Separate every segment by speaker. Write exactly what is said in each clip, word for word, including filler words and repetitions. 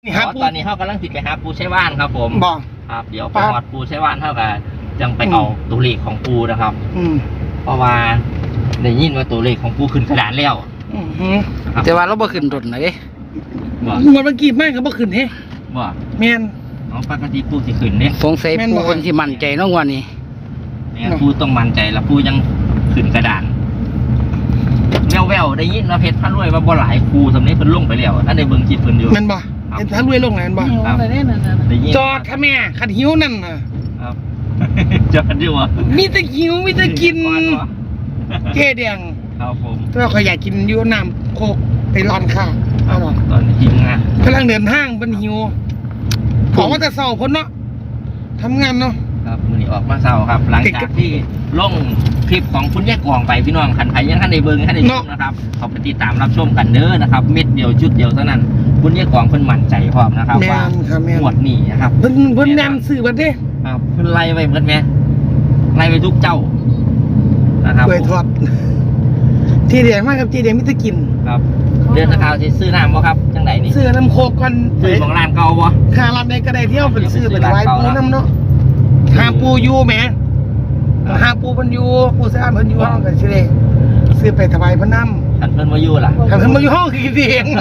Speaker 1: นี่ครับตอนนี้เขากำลังติดไปหาปูใช้ว่านครับผมบอกครับเดี๋ยวไปหอดปูใช้ว่านเท่ากับจังไปเอาตัวเลขของปูนะครับอืมเพราะว่าได้ยินว่าตัวเลขของปูขึ้นกระดานแล้ว
Speaker 2: แต่ว่าเราบ่ขึ้นรถเลย
Speaker 1: บ่
Speaker 2: หมดเมื่อกี้แม่ก็บ่ขึ้นเฮ้
Speaker 1: บ่
Speaker 2: แม่น
Speaker 1: อ๋อปกติปูสิขึ้นเนี่ย
Speaker 2: สงสัยปูคนที่มั่นใจน้องวันนี้
Speaker 1: แม่ปูต้องมั่นใจแล้วปูยังขึ้นกระดานแววแววได้ยินว่าเพชรพระรวยว่าบ่หลายปูสำเนียงเพิ่นลงไปแล้วอันในเบิ่งคลิปเพิ่นอยู่
Speaker 2: แม่นบ่เห็นพระรวยลงไหนแม่นบ่จอดค่ะแม่ขัดหิวนั่นน่ะ
Speaker 1: ครับจอดอยู่อ่ะ
Speaker 2: มีแต่หิวมีแต่กินเจ๊แดง
Speaker 1: ครับผม
Speaker 2: เราขอยากกินอยู่น้ำโคกไปร้อนข้าว
Speaker 1: ตอนนี้หิวงาน
Speaker 2: กำลังเดินห้างเป็นหิวของว่าจะเศร้าพ้นเนาะทำงานเนาะ
Speaker 1: ครับมือนี้ออกมาเศร้าครับหลังจากที่ลงคลิปของคุณแยกกองไปพี่น้องขันไผ่ยังขันในเบิ้งขันในชมนะครับเขาไปติดตามรับชมกันเด้อนะครับเม็ดเดียวชุดเดียวเท่านั้นคุณแยกกองเพิ่นมั่นใจพร้อมนะครับว่าหมวดนี้นะครับ
Speaker 2: เพิ่นเพิ่นแนมสื่อบัดเด้
Speaker 1: ครับเพิ่นไล่ไปเหมือนแม่ไล่ไปทุกเจ้านะครับ
Speaker 2: กล้วยทอดที่เดียงมากครับที่เดียงมิตรกิน
Speaker 1: ครับเดือนตะขาวที่ซื้อน้ำบ่ครับจังไหนนี่
Speaker 2: ซื้อน้ำโคกก่อน
Speaker 1: ซื้อของร้านเก่าบ่
Speaker 2: ค่าร้านใดก็ได้เที่ยวเป็นซื้อเป็นไว้ปูน้ำเนาะหาปูยูแหมหาปูมันยูปูสะอาดมันยูห้องกันสิเลยซื้อไปถวายพระน้ำ
Speaker 1: ขันเพิ่นมาอยู่ล่ะ
Speaker 2: ขันเพิ่นมาอยู่ห้องคือเอง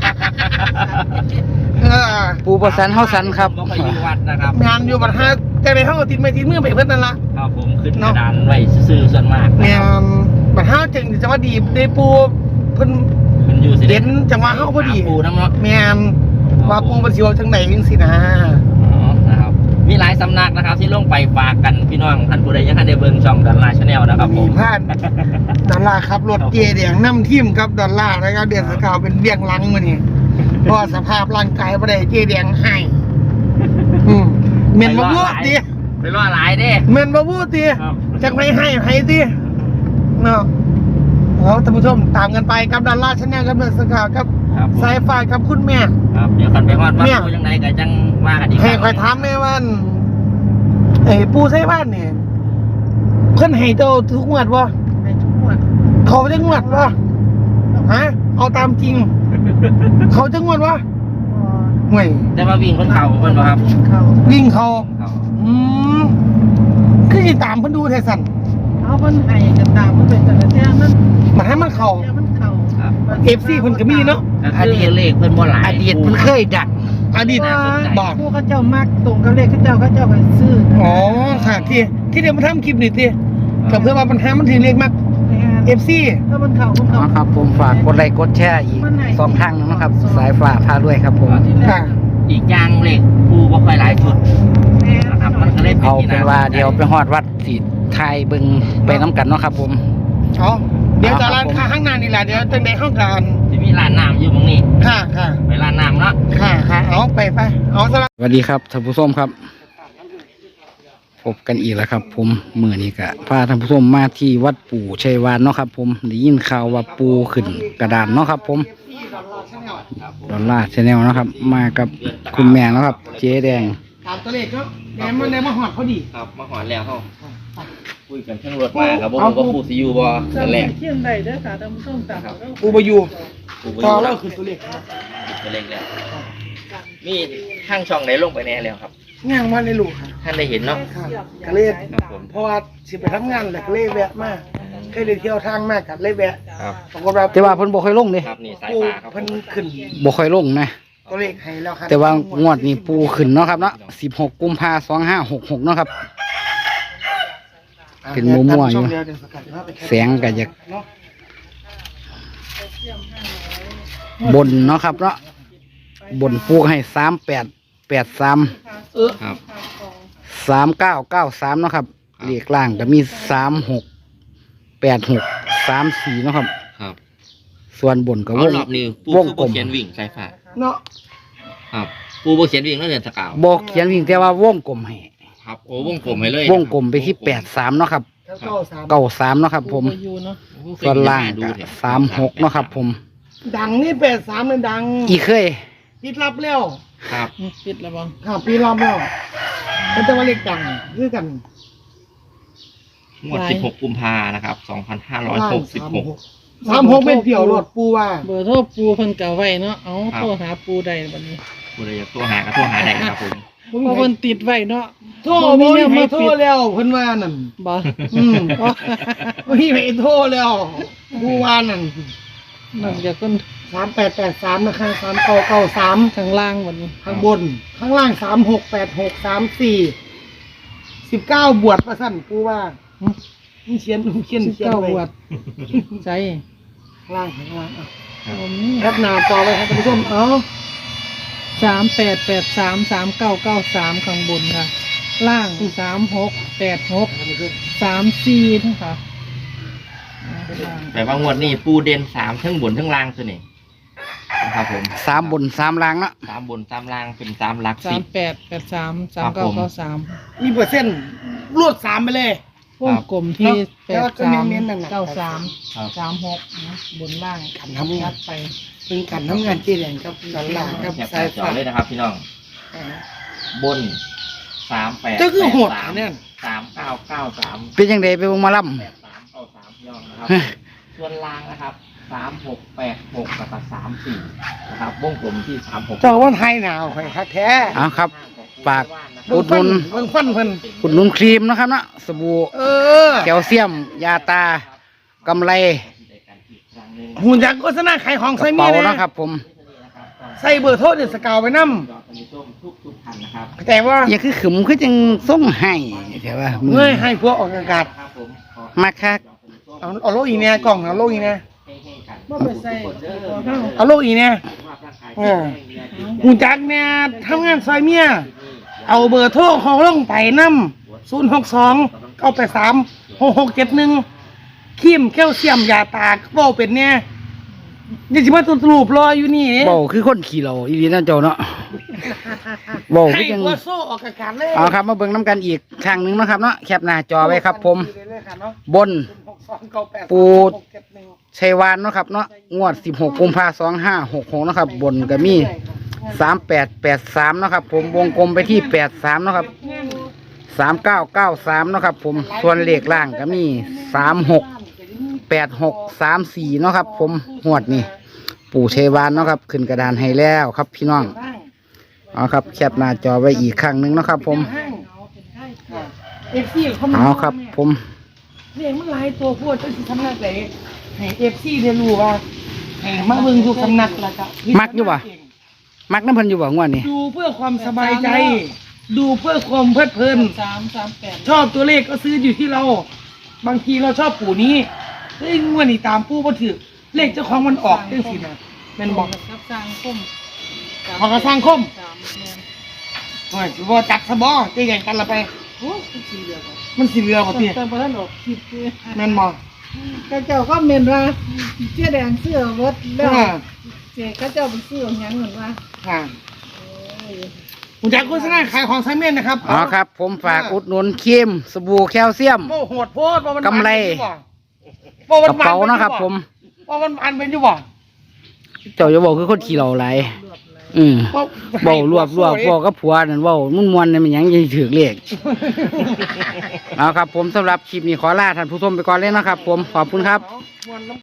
Speaker 2: ปูประสันเฮาสันครับ
Speaker 1: บ่ไปอยู่วัดนะครับ
Speaker 2: งานอยู่บัดฮะแต่ในห้องติดไม่ติดเมื่อไปเพิ่นนั่นละ
Speaker 1: ครับผมขึ้นกระดานไว้ซื้อส่วนมาก
Speaker 2: งานบัดฮะจึงจังหวะดีในปูเพิ่นเด่นจังหวะเฮาพอดี
Speaker 1: ปูน้ำเนาะ
Speaker 2: แม่นว่าปูมันสิว่าจังไหนจังซี่นะ
Speaker 1: อ๋อนะครับมีหลายสำนักนะครับที่ลงไปฝากกันพี่น้องท่านผู้ใดยังทันได้เบิ่งช่องดอลลาร์ชาแนลนะครับผม
Speaker 2: ผ่านดอลลาร์ครับรถเกียร์แดงนำทีมกับดอลลาร์นะครับเดือนสกาวเป็นเบี้ยงหลังมื้อนี้เพราะสภาพร่างกายบ่ได้เกียร์แดงให้อืมแม่นบ่พูดติ
Speaker 1: ไปรอหลายเด้
Speaker 2: แม่นบ่พูดติจักไม่ให้ให้ติเนาะเอาท่านผู้ชมตามกันไปกับดอลลาร์ชาแนลกับเดือนสกาวกับสายฟ้ากับคุณแม่
Speaker 1: ครับเดี๋ยวกันไปฮอดว่าปูจังได๋ก็จังว่ากันอีก
Speaker 2: ให้ค่อยถามแม่ว่าไอ้ปูใส่บ้านนี่เพิ่นให้เจ้าทุกงวดบ่ให้ทุกงวดเขาจะงวดบ่ฮะเอาตามจริงเขาจะงวดบ่ห่วย
Speaker 1: แต่ว่าวิ่งเพิ่นเข้าเพิ่นบ่ครับ
Speaker 2: วิ่งเข้าอืมคือสิตามเพิ่นดูแท้สั่น
Speaker 3: เอาเพิ่นให้ก็ตามเพิ่นเป็นแต่ละแท้มัน
Speaker 2: มันให้มันเข้า
Speaker 3: มันเข้า
Speaker 1: ครับ
Speaker 2: เอฟ ซี เพิ่นก็มีเนาะ
Speaker 1: อดีตเลขเพิ่นบ่หลาย
Speaker 2: อดีตเพิ่นเคยดังอดีต
Speaker 3: บอกผู้เขาเจ้ามักตรงกับเลขเขาเจ้าเขาเจ้าไปซื้อ
Speaker 2: อ๋อค่ะที่ที่เดี๋ยวมาทำคลิปนี่ติก็เพื่อว่าปัญหามันถึงเลขมาก เอฟ ซี
Speaker 3: ถ้ามันเข้ามันเข้า
Speaker 2: ครับผมฝากกดไลค์กดแชร์อีกสองทางนะครับสายฟ้าพาด้วยครับผม
Speaker 1: ค่ะอีกอย่างเลขปูบ่ค่อยหลายชุดนะครับมันก็เลย
Speaker 2: เอาเป็นว่าเดี๋ยวไปฮอดวัดสิไทยเบิ่งไปน้ำกันเนาะครับผมอ๋อเดี๋ยวจะร้านค้าข้างหน้านี่แหละเดี๋ยวจะในห้องการ
Speaker 1: ที่มีร้านน้ำอยู่ตรงนี้
Speaker 2: ค่ะค่ะ
Speaker 1: ไปร้านน้ำเนาะ
Speaker 2: ค่ะค่ะเอาไปไปเอาสวัสดีครับท่านผู้ชมครับพบกันอีกแล้วครับผมมื้อนี้ก็พาท่านผู้ชมมาที่วัดปู่ชัยวานเนาะครับผมได้ยินข่าวว่าปูขึ้นกระดานเนาะครับผมดอลลาร์ชาแนลนะครับมากับคุณแม่นะครับเจ๊แดงตามตัวเลขก็แดงมันได้มาหอดพอดี
Speaker 1: ครับมาหอดแล้วเขาคุยกันทั้งรถมาครับว่าปูซียูบอนั่นแหละ
Speaker 3: เที่ยงใดเด้อค่ะท่านผู้ชมตาม
Speaker 2: ปูบยูต่อแล้วคือตัวเลขครับ
Speaker 1: ตัวเลขแล้วมีข้างช่องไหนลงไปแน่แล้วครับ
Speaker 2: งานมาในลูกค่ะ
Speaker 1: ท่านได้เห็นเนาะ
Speaker 2: กะเล่เพราะว่าสิไปทำงานแหละกะเล่แวะมากเคยได้เที่ยวทางมากกัดเล่แวะปรากฏว่าแต่ว่าเพิ่นบ่ค่อยลงเด้
Speaker 1: ครับนี่สายฟ้าครับ
Speaker 2: เพิ่นขึ้นบ่ค่อยลงนะตัวเลขให้แล้วครับแต่ว่างวดนี้ปูขึ้นเนาะครับเนาะสิบหกกุมภาพันธ์สองพันห้าร้อยหกสิบหกเนาะครับเป็นมัวมัวอยู่แสงก็อยากบนเนาะครับเนาะบนปูให้สามแปดแปดสามเออครับสามเก้าเก้าสามเนาะครับเลขล่างก็มีสามหกแปดหกสามสี่เนาะครับ
Speaker 1: ครับ
Speaker 2: ส่วนบนก็วง
Speaker 1: วงกลมเขียนวิ่งใช่ค่ะ
Speaker 2: เนาะ
Speaker 1: ครับปูโบเขียนวิ่งแล้วเดือนสกาว
Speaker 2: บอกเขียนวิ่งแต่ว่าวงกลมให้
Speaker 1: ครับโอ้วงกลมให้เลยว
Speaker 2: งกลมไปที่แปดสามเนาะครับเก้าสามเนาะครับผมส่วนล่างสามหกเนาะครับผมดังนี่แปดสามเลยดังอีเคยปิดรับแล้ว
Speaker 1: ครับ
Speaker 3: ปิดแล้วบ้าง
Speaker 2: ครับปิดรับแล้วเป็นตัวเลขดังคือกัน
Speaker 1: งวดสิบหกกุมภานะครับสองพันห้าร้อยหกสิบหก
Speaker 2: สามหกเป็นเดี่ยวรถปูว่า
Speaker 3: เบอร์โทรปูเพิ่นเก่าไว้เนาะเอาโทรหาปูได้บัดนี้
Speaker 1: ผู้ใดอยากโทรหาก็โทรหาได้นะครับผม
Speaker 3: เพราะมันติดไว้เนาะ
Speaker 4: โทรบ่มีให้โทรแล้วเพิ่นว่านั่น
Speaker 3: บ่
Speaker 4: อืมบ่มีให้โทรแล้วผู้ว่านั่น
Speaker 3: นั่นจะคน
Speaker 4: สามแปดแปดสามนะคะสามเก้าเก้าสาม
Speaker 3: ข้างล่างวันนี้
Speaker 4: ข้างบน ข้างล่างสามหกแปดหกสามสี่สิบเก้าบวชประสั่นผู้ว่ามึงเขียนมึงเขียน
Speaker 3: สิบ
Speaker 4: เขียน
Speaker 3: เก้า
Speaker 4: ไว้
Speaker 3: บวชใจ
Speaker 4: ข้างล่างข้างล่างอ่ะ
Speaker 3: ผมนี่
Speaker 4: แคปหน้าจอไว้ครับท่านผู้ชมเอ้า
Speaker 3: สามแปดแปดสามสามเก้าเก้าสามข้างบนค่ะ ล่างสามหกแปดหกสามสี่นะคะล่าง
Speaker 1: แต่ว่างวดนี้ปูเด่นสามทั้งบนทั้งล่างตัวนี้นะครับผม
Speaker 2: สามบนสามล่างเนาะ
Speaker 1: สามบนสามล่างเป็นสามหลัก
Speaker 3: สา
Speaker 1: สิ
Speaker 3: ม
Speaker 1: บ
Speaker 3: แปดแปดสามสามเก้าเก้าสาม
Speaker 4: มีเปอร์เซ็นต์รวดสามไปเลย
Speaker 3: วงกลมที่แป
Speaker 4: แล้ว
Speaker 3: ด
Speaker 4: ก็
Speaker 3: สาม
Speaker 4: เน้นๆนั่นน่ะ
Speaker 3: เก้าสาม
Speaker 1: ครับ
Speaker 3: สามหกนะบนล่าง
Speaker 4: กันทำงาน
Speaker 3: ไป
Speaker 4: เป็นการทำงานที่แรงครับกันหลังครับ
Speaker 1: แคปห
Speaker 4: สา
Speaker 1: น้าย จอ
Speaker 4: ฟ้า
Speaker 1: เลยนะครับพี่น้อง บนสามแปด
Speaker 4: เจ้าคือโหด
Speaker 1: สาม
Speaker 4: เนี่ย
Speaker 1: สามเก้าเก้าสาม
Speaker 2: เป็นยังไงไปวงหมาล่
Speaker 1: แปดสามเก้าสามพี่น้องนะครับ ส่วนล่างนะครับสามหกแปดหกกับสามสี่นะครับวงกลมที่สามหก
Speaker 4: เจ้าว่าไทยหนาวใครคักแท้
Speaker 2: ำเอาครับ ฝาก
Speaker 4: เบิ่งฟันเบิ่งฟันเพิ่น
Speaker 2: อุดหนุนครีมนะครับเนาะสบู่
Speaker 4: เออ
Speaker 2: แคลเซียม ยาตากำไร
Speaker 4: หุ่นยักษ์โฆษณาขายของ
Speaker 2: ก
Speaker 4: ใส่
Speaker 2: ระ
Speaker 4: เมี
Speaker 2: เป๋าย
Speaker 4: นะ
Speaker 2: นะครับ ผม
Speaker 4: ใส่เบอร์โทรเดือดสกาวไว้นำ
Speaker 1: ทุกทุกๆพันนะครับ
Speaker 4: แต่ว่า
Speaker 2: อย่าคือขึมคือจังส่งให้ใช่ป่ะมื
Speaker 4: เมื่อยให้พวกออกอากาศ
Speaker 1: ครับผมขอ
Speaker 2: มาคัก
Speaker 4: เอาเอาโลกอีเนี่ยกล่องเอาโลกอีเนี่ย
Speaker 1: ให้ให้กัน
Speaker 3: บ่ไปใส่
Speaker 4: เอาโลกอีเนี่ย
Speaker 1: สุขภาพร่างกาย
Speaker 4: เออ หุ่นจักรเนี่ยทำงานซอยเมีย เอาเบอร์โทรของลงไปนำศูนย์หกสองเก้าแปดสามหกหกเจ็ดหนึ่งครีมแคลเซียมยาตากเว้าเป็นเนี่ยนี่สิมาตุรูปรออยู่นี่
Speaker 2: เบาคือคนขี่เราอีดีนะเจ้าเนาะเบา
Speaker 4: ให้
Speaker 2: คือจัง
Speaker 4: ตัวโซ่ออกอากาศเลย
Speaker 2: เอาครับมาเบิ่งน้ำกันอีกครั้งหนึ่งเนาะครับเนาะแคปหน้าจอไว้ครับ ผม บน ปู ชัยวานเนาะครับเนาะงวดสิบหกกุมภาพันธ์สองห้าหกหกเนาะครับ บนก็มีสามแปดแปดสามเนาะครับ ผมวงกลมไปที่แปดสามเนาะครับสามเก้าเก้าสามเนาะครับ ผมส่วนเลขล่างก็มีสามหกแปดหกสามสี่เนาะครับ ผมหวดนี่ปู่ชัยวานเนาะครับ ขึ้นกระดานให้แล้วครับ พี่น้องเอาครับแคปหน้าจอไว้อีกครั้งหนึ่งเนาะครับ ผม
Speaker 4: เอฟซีเขามา
Speaker 2: เอาครับ ผม
Speaker 4: เรียกมันหลายตัวพูดจะสิทำนักไหนให้เอฟซีเรียนรู้ว่าให้มาเบิ่งทุกสำนักแล้วก็
Speaker 2: มักอยู่บ่ มักน้ำเพันอยู่บ่งวดนี้
Speaker 4: ดูเพื่อความสบายใจ ดูเพื่อความเพลิดเพลิน
Speaker 3: สามสามแปด
Speaker 4: ชอบตัวเลขก็ซื้ออยู่ที่เรา บางทีเราชอบปู่นี้เฮ้ยงวดนี้ตามปู่บ่ถือเลขเจ้าของมันออกจังซี่นะแม่นบอก
Speaker 3: กับสร้างคม
Speaker 4: ของกระสร้างคม
Speaker 3: สามแม่น
Speaker 4: โอ้ยสิบ่จักซะบ่ใจใหญ่กันละไป
Speaker 3: โอ้ยสี่เดียวกัน
Speaker 4: มันสิเหลือบ่ติ
Speaker 3: แต่พอท่านออกคลิปด้วย
Speaker 4: แม่นบ่
Speaker 3: ข้าเจ้าก็เมนว่าเจ๊แดงเสื้อรถแล้ว
Speaker 4: อ่า
Speaker 3: เจ๊ข้าเจ้าเป็นเสื้อหยังเหมือนว่า
Speaker 4: ค่ะผมจะโฆษณาขายของไซเมนนะครับ
Speaker 2: อ๋อครับ ผมฝากอุดหนุนครีมสบู่แคลเซียม
Speaker 4: โมโหดโพดว่ามัน
Speaker 2: กำไร
Speaker 4: ว่า
Speaker 2: กระเป๋าเนาะครับ ผม
Speaker 4: ว่ามันอันเป็นอยู่บ่
Speaker 2: เจ้าจะบอกคือคนขี่เราไหลายอืม
Speaker 4: ว่า
Speaker 2: เบารวบรวบบอกกับผัวนั่นเบามุ่นมวนนี่มันหยังยังถือเลข เอาครับ ผมสำหรับคลิปนี้ขอลาท่านผู้ชมไปก่อนเลยนะครับ ผมขอบคุณครับ
Speaker 4: ม่วนน้ำ